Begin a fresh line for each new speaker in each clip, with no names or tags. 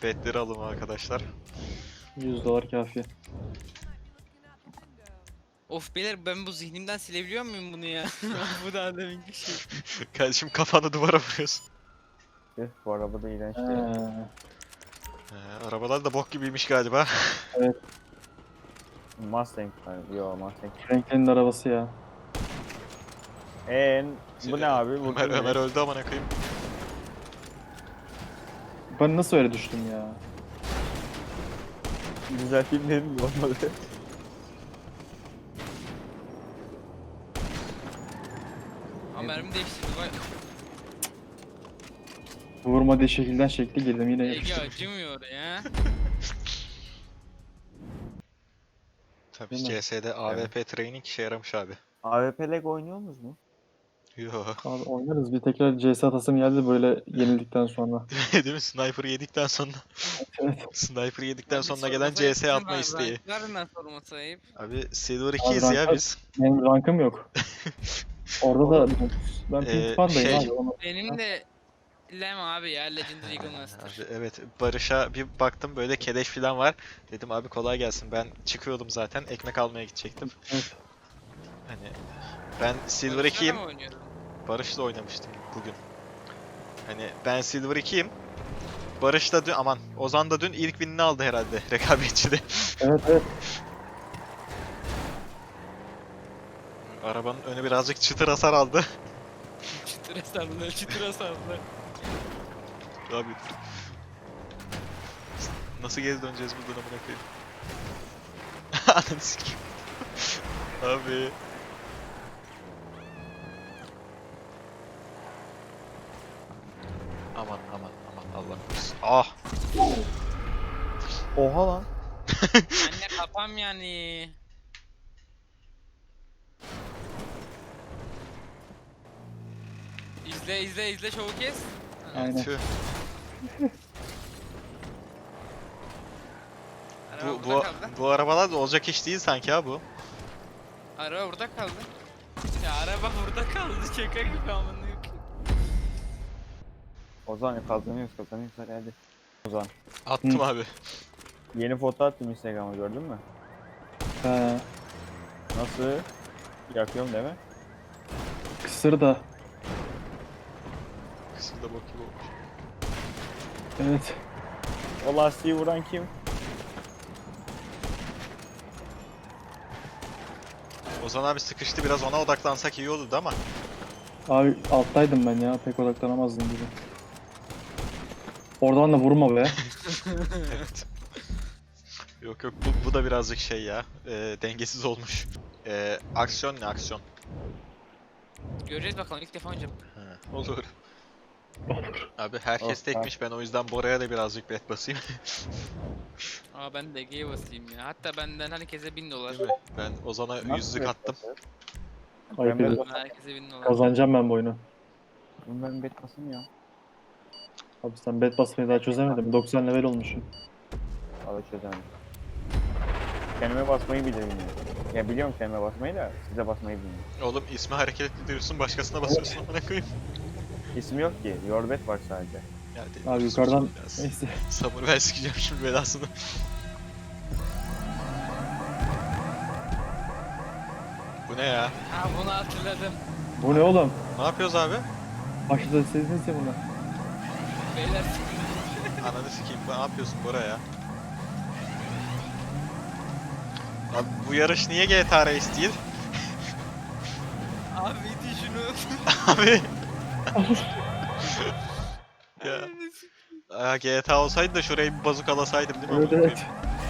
Petleri alın arkadaşlar.
$100 kafi.
Of beyler ben bu zihnimden silebiliyor muyum bunu ya? Bu da deminki şey.
Kardeşim kafanı duvara vuruyorsun.
Bu araba da iğrenç değil.
Ha,
Arabalar da bok gibiymiş galiba.
Mustang var. Yo Mustang.
Franklin'in arabası ya.
Bu ne abi? Bu
Ömer öldü amına koyayım.
Ben nasıl öyle düştüm ya?
Güzel film dedim mi? Olmadı.
Ama mermi değiştirdi vay.
Vurmadığı şekilden şekli girdim yine
Ege
yapıştım.
acımıyor ya.
Tabii
Değil mi?
CS'de AWP training işe yaramış abi.
AWP Leg oynuyorsunuz mu?
Yo.
Abi oynarız bir tekrar CS atasım geldi böyle yenildikten sonra.
Değil mi? Sniper yedikten sonra.
Evet.
Sniper yedikten
Abi
sonra gelen
sorması
CS
ayıp,
atma isteği.
Ranklarından sorması ayıp.
Abi Silver
Abi
2'yiz ya
ranklar-
biz.
Benim rankım yok. Orada da ben Pink Panda'yım
şey-
abi.
Benim de Lem abi ya Legendary Eagle Master.
Abi evet, Barış'a bir baktım böyle keleş falan var. Dedim abi kolay gelsin, ben çıkıyordum zaten, ekmek almaya gidecektim.
Evet.
Hani ben Silver
Barış'la
2'yim.
mı oynuyordun?
Barış'la oynamıştım bugün. Hani ben Silver 2'yim. Barış da dün, aman Ozan da dün ilk winini aldı herhalde rekabetçide.
Evet evet.
Arabanın önü birazcık çıtır hasar aldı.
Çıtıra sardı, çıtıra sardı.
Abi dur. Nasıl geri döneceğiz buradan amına koyayım? Ananı sikeyim. Abi. Aman aman aman, Allah korusun. Ah!
Oha lan.
Anne kafam yani. İzle şovu kes.
Aynen.
Tüh.
Araba
Bu,
burada
bu,
kaldı.
bu arabalar da olacak iş değil sanki ha bu.
Araba burada kaldı. Ya araba burada kaldı. Şaka gibi amına koyayım.
Ozan kazanıyoruz hadi. Ozan.
Attım
Hı.
abi.
Yeni foto attım Instagram'a gördün mü?
Ha,
Nasıl? Yakıyorum değil mi?
kısır da.
Kısım da bok gibi olmuş.
Evet.
O lastiği vuran kim?
Ozan abi sıkıştı, biraz ona odaklansak iyi olurdu ama.
Abi alttaydım ben ya pek odaklanamazdım gibi. Oradan da vurma be.
Evet. Yok yok, bu da birazcık şey ya, dengesiz olmuş. Aksiyon ne aksiyon?
Göreceğiz bakalım ilk defa oynayacağım.
He, olur. Abi herkes
Of,
tekmiş, ben o yüzden Bora'ya da birazcık bet basayım.
Aa ben de Ege'ye basayım ya. Hatta benden herkese $1000.
Değil mi? Ben Ozan'a
Nasıl
yüzlük attım.
Ayıp
Ben-
ediyorum.
Herkese $1000.
Kazanacağım ben bu oyunu.
Ben bet basayım ya.
Abi sen bet basmayı daha çözemedin. 90 level olmuşsun.
Al çözelim. Kendime basmayı bilirim ya. Ya biliyorum kendime basmayı da size basmayı bilmiyorum.
Oğlum ismi hareket ettiriyorsun, başkasına basıyorsun amına koyayım.
İsmi yok ki. Yorbet var sadece.
Ya
Abi
deliyorsun
yukarıdan
şimdi biraz.
neyse.
Sabır ver, sikeceğim şimdi belasını. Bu ne ya?
Ha bunu hatırladım.
Bu ne oğlum?
Ne yapıyoruz abi?
Başta dediniz ya buna.
Beyler
Ananı sikeyim, ne yapıyorsun Bora ya? Abi bu yarış niye GTA Race değil?
abi iti şunu.
Abi. Ya. Aa, GTA olsaydı da şurayı bir bazukalasaydım değil mi?
Evet
amına
evet.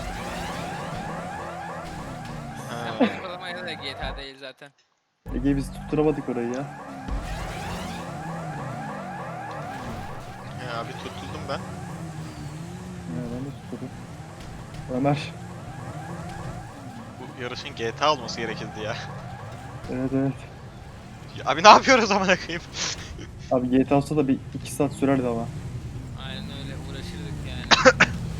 koyayım? Ha.
Bazukalamaya da GTA değil zaten.
Ege biz tutturamadık orayı ya.
Ya abi tutuldum ben.
Ya ben de tutturdum. Ömer.
Bu yarışın GTA olması gerekirdi ya.
Evet evet.
Ya abi ne yapıyoruz amına koyayım?
Abi GTA olsa da bir 2 saat sürerdi ama.
Aynen öyle uğraşırdık yani.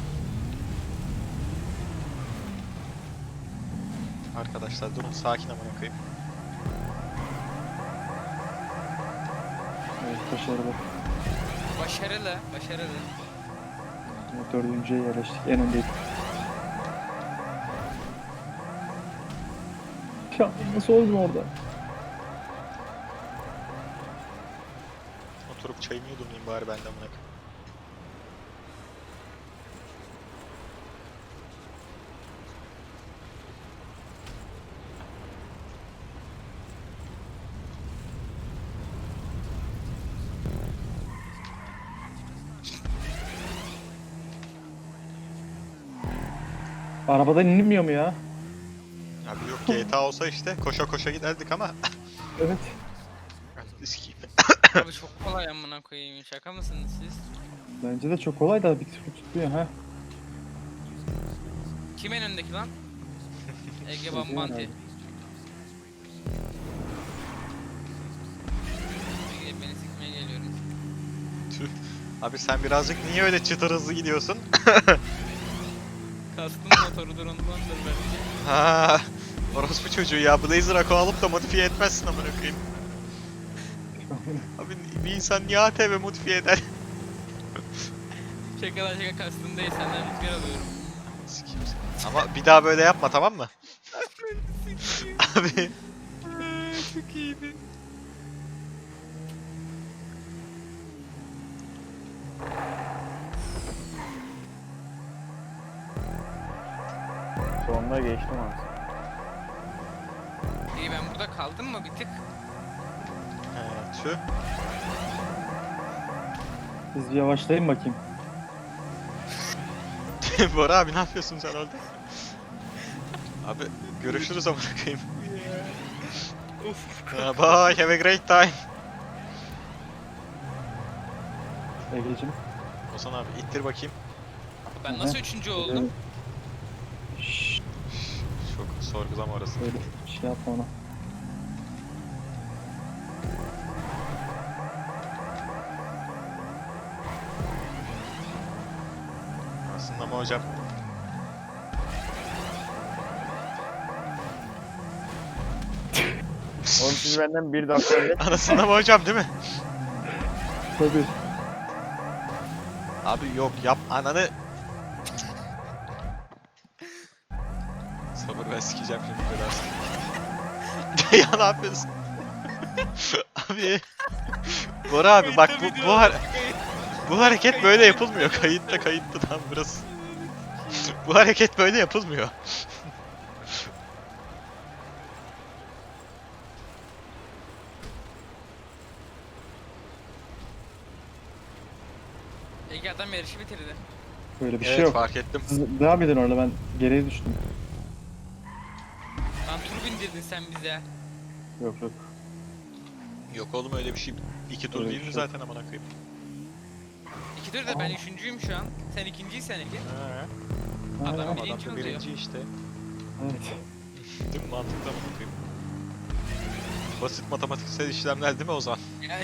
Arkadaşlar durun, sakin amına koyayım.
Evet başarılı.
Başarılı, başarılı.
Dördüncüye yerleştik. En öndeydik. Ya nasıl oldun orada?
Oturup çayımı yudumlayayım bari ben de amına koyayım.
Arabadan inilmiyor mu ya?
Abi yok GTA olsa işte koşa koşa giderdik ama.
Evet.
Sikeyim.
Abi çok kolay amına koyayım. Şaka mısınız siz?
Bence de çok kolay da bir türlü tutmuyor ha.
Kim en öndeki lan? Ege
Ege
Bambanti.
herhalde.
Ege beni sikmeye geliyorum.
Tüh. Abi sen birazcık niye öyle çıtır hızlı gidiyorsun?
Kastım motorudur ondandır belki.
Ha, orospu çocuğu ya. Blazer Ako alıp da modifiye etmezsin amına koyayım. Abi bir insan niye ATV modifiye eder?
Şaka lan şaka kastım değil senden rüzgar alıyorum.
Sikeyim seni. Ama bir daha böyle yapma tamam mı? Abi
Çok iyiydi.
Sonunda geçtim aslında.
İyi ben burada kaldım mı bir tık?
tüh.
Biz bir yavaşlayın bakayım.
Bora abi ne yapıyorsun sen orada? Abi görüşürüz amına koyayım. Bye, have a great time.
Egeciğim.
Ozan abi ittir bakayım.
Ben nasıl üçüncü oldum?
Şşş.
Çok sorgulama orası.
Öyle şey yapma ona.
Aslında ama hocam.
Oğlum siz benden bir dakika önce
Anasında mı hocam değil mi?
Tabii.
Abi yok yap ananı. Sabır ben sikeceğim şimdi belasını. Ya ne yapıyorsun? Abi. Bora abi bak bu hareket böyle yapılmıyor. Kayıtta tam burası. Bu hareket böyle yapılmıyor.
Ege adam yarışı bitirdi.
Böyle bir
Evet
şey yok.
fark ettim.
Siz devam edin orada, ben geriye düştüm.
Lan tur bindirdin sen bize.
Yok yok.
Yok oğlum öyle bir şey. 2 tur
Öyle bir
değil mi
şey.
zaten amına koyayım?
İki tur da ben üçüncüyüm şu an. Sen ikinciysen Ege.
He.
Adam
Aynen.
birinci
Adam da
oluyor.
birinci işte.
Evet.
Değil mi? Mantıklı amına koyayım. Basit matematiksel işlemler değil mi Ozan?
Yani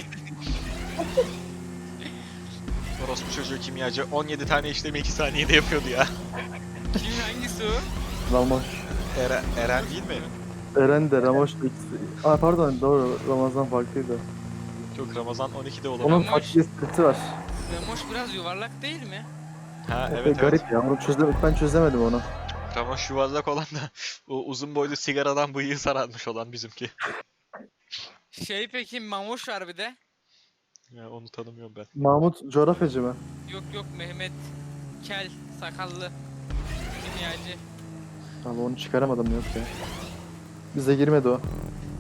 Orospu çocuğu kimyacı 17 tane işlemi 2 saniyede yapıyordu ya.
kim hangisi o?
Ramoş.
Eren değil mi?
Eren de Ramoş da ikisi. Aa pardon, doğru, Ramazan farklıydı.
Yok Ramazan 12'de olabilir.
Onun
Ramoş.
farklı esprisi var.
Ramoş biraz yuvarlak değil mi?
Ha evet
Garip
evet.
ya, onu ben çözemedim onu.
Ramoş yuvarlak olan da o uzun boylu sigaradan bıyığı sararmış olan bizimki.
Şey peki Mamoş var bir de.
Ya onu tanımıyorum ben.
Mahmut coğrafyacı mı?
Yok yok Mehmet Kel sakallı kimyacı.
Abi onu çıkaramadım, yok ya. Bize girmedi o.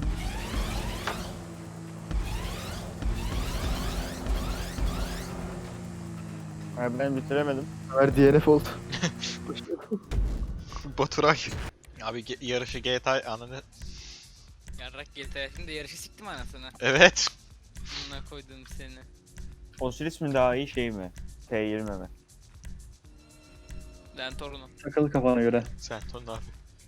Ha, ben bitiremedim.
Ömer DNF oldu.
Baturay. Abi yarışı GTA ananı.
Yarrak GTA şimdi yarışı siktim anasını.
Evet.
Buna koydum seni.
Osiris mi daha iyi şey mi? T20 mi?
Lan torunum.
Takılı kafana göre.
Sen ton abi.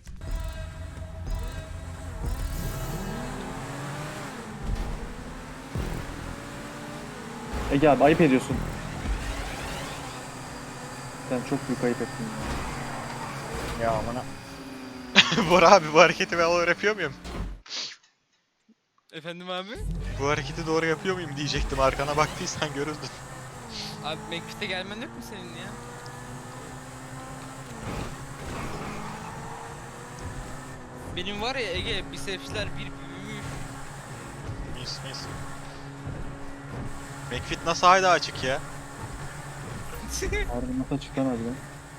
Ege abi ayıp ediyorsun. Sen çok büyük ayıp ettin ya.
Ya amına.
Bora abi bu hareketi ben doğru yapıyor muyum?
Efendim abi?
Bu hareketi doğru yapıyor muyum diyecektim. Arkana baktıysan görürdün.
Abi McFit'e gelmen yok mu senin ya? Benim var ya Ege bisepsler bir büyümüş.
Mis. McFit nasıl hala açık ya?
Harbi nasıl açıktan harbiden.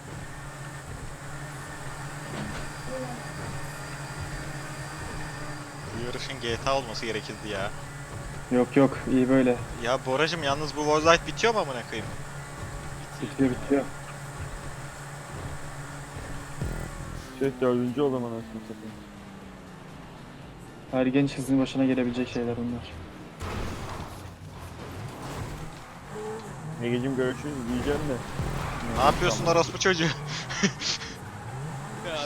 Bu yarışın GTA olması gerekirdi ya.
Yok iyi böyle.
Ya Boracım yalnız bu Warzone bitiyor mu amına koyayım?
Bitiyor.
Şey 4. oldum anasını satayım.
Her genç kızın başına gelebilecek şeyler bunlar.
Egeciğim görüşürüz diyeceğim de.
Ne yapıyorsun orospu çocuğu?
Ya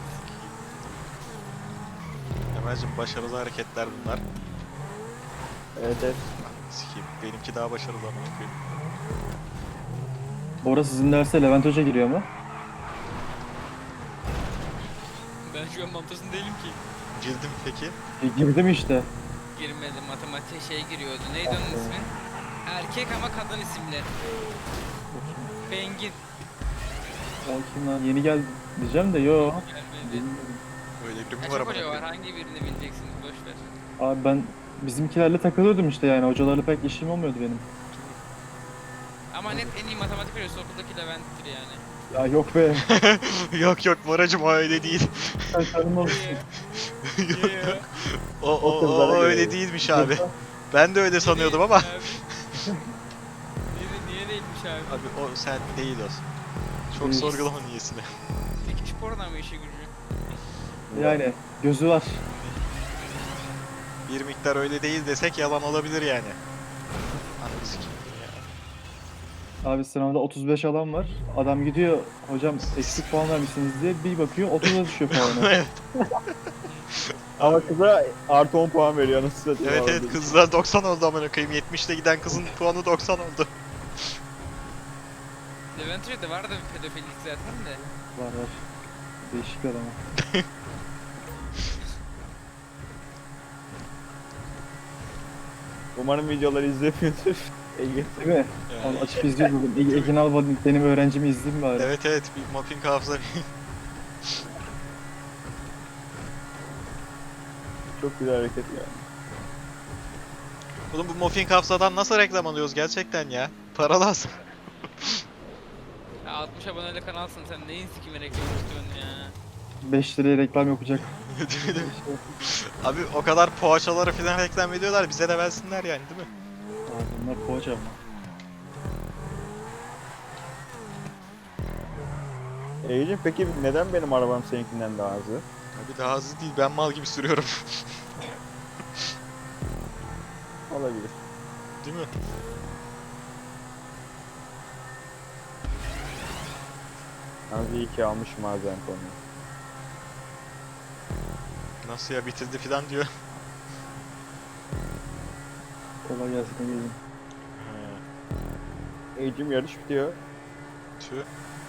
Emel'cim başarılı hareketler bunlar.
Evet.
Sikeyim. Benimki daha başarılı amına koyayım.
Bora sizin derse Levent Hoca giriyor mu?
ben şu an mantasında değilim ki.
Girdim peki.
Girdim işte.
Girmedim matematiğe şey giriyordu. Neydi onun ismi? Erkek ama kadın isimli. Bengin.
O kim lan? Yeni geldi diyeceğim de yo.
Gelmedi.
Öyle biri mi
Kaç
var amına
hoca var?
koyayım?
Hangi birini bileceksiniz? Boş ver.
Abi ben bizimkilerle takılıyordum işte yani. Hocalarla pek işim olmuyordu benim.
Ama net en iyi matematik hocası okuldaki Levent'tir yani.
Ya yok be.
Yok Boracım o öyle değil.
Sen canım olsun.
Niye ya?
O öyle değilmiş abi. Ben de öyle sanıyordum ama.
Niye değilmiş abi?
Abi o sen değil o. Çok
Değil.
sorgulama niyesini.
Dikiş porno mu işi gücü?
Yani gözü var.
Bir miktar öyle değil desek yalan olabilir yani. Anladın sikeyim ya.
Abi sınavda 35 alan var. Adam gidiyor hocam eksik puan vermişsiniz diye bir bakıyor 30'a düşüyor puanı.
Evet
Ama kıza artı 10 puan veriyor anasını satayım.
evet kızlar 90 oldu amına koyayım. 70'te giden kızın puanı 90 oldu.
Levent Hoca'da vardı bir pedofilik zaten de.
Var. Değişik bir adam.
Umarım videoları izlemiyordur. Ege.
Değil mi?
Yani,
Onu açıp izliyordum. Ekin Alba benim öğrencimi izleyeyim bari.
evet bir mopping hafıza.
Çok güzel hareket ya.
Oğlum bu mopping hafızadan nasıl reklam alıyoruz gerçekten ya? Para lazım.
Ya 60 aboneyle kanalsın sen neyin sikime reklam istiyorsun ya?
5 liraya reklam yapacak.
Abi o kadar poğaçaları falan reklam ediyorlar bize de versinler yani değil mi?
Abi bunlar poğaça ama.
Egeciğim peki neden benim arabam seninkinden daha hızlı?
Abi daha hızlı değil ben mal gibi sürüyorum.
Olabilir.
Değil mi?
Yalnız iyi ki almışım bazen konuyu.
Nasıl ya bitirdi falan diyor.
Kolay gelsin gelin.
Egeciğim yarış bitiyor.
Tüh.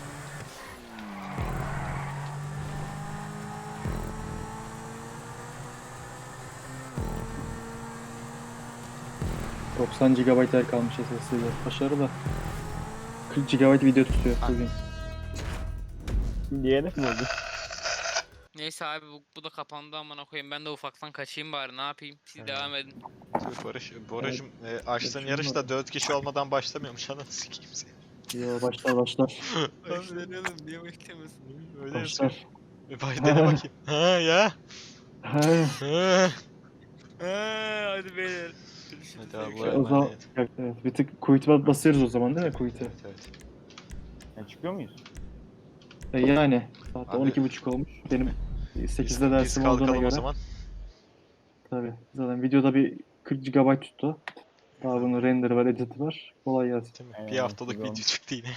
...90 GB yer kalmış SSD'de. Başarılı. 40 GB video tutuyor bugün.
Şimdi DNF mi oldu?
Neyse abi bu da kapandı amına koyayım. Ben de ufaktan kaçayım bari ne yapayım? Siz
Evet.
devam edin.
Tüh Boracım açtığın
Kaçın
yarışta 4 kişi olmadan başlamıyormuş ananı sikeyim seni.
Yo başlar.
Başlayalım niye beklemiyorsun?
Öyle yazıyor.
Başlar.
Dene bakayım. Ha ya.
He.
Ha.
Hadi beyler. Görüşürüz.
Hadi Allah'a
Görüşürüz.
O zaman
emanet.
evet, bir tık quit'e basıyoruz o zaman değil mi quit'e?
Evet.
Ya çıkıyor muyuz?
Yani saat
Abi,
12.30 olmuş. Benim 8'de
Biz
dersim olduğuna
kalkalım
göre.
o zaman.
Tabii. Zaten videoda bir 40 GB tuttu. Daha bunun render'ı var, edit'i var. Kolay gelsin.
Değil mi?
Aynen,
Bir haftalık
güzel.
video çıktı yine.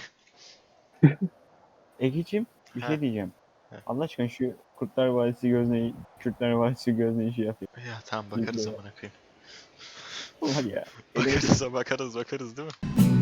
Egeciğim bir
He.
şey diyeceğim.
He.
Allah aşkına şu Kurtlar Vadisi gözneyi, Kürtler Vadisi gözneyi şey yapayım.
Ya tamam bakarız
Video.
amına koyayım.
Var ya.
Bakarız değil mi?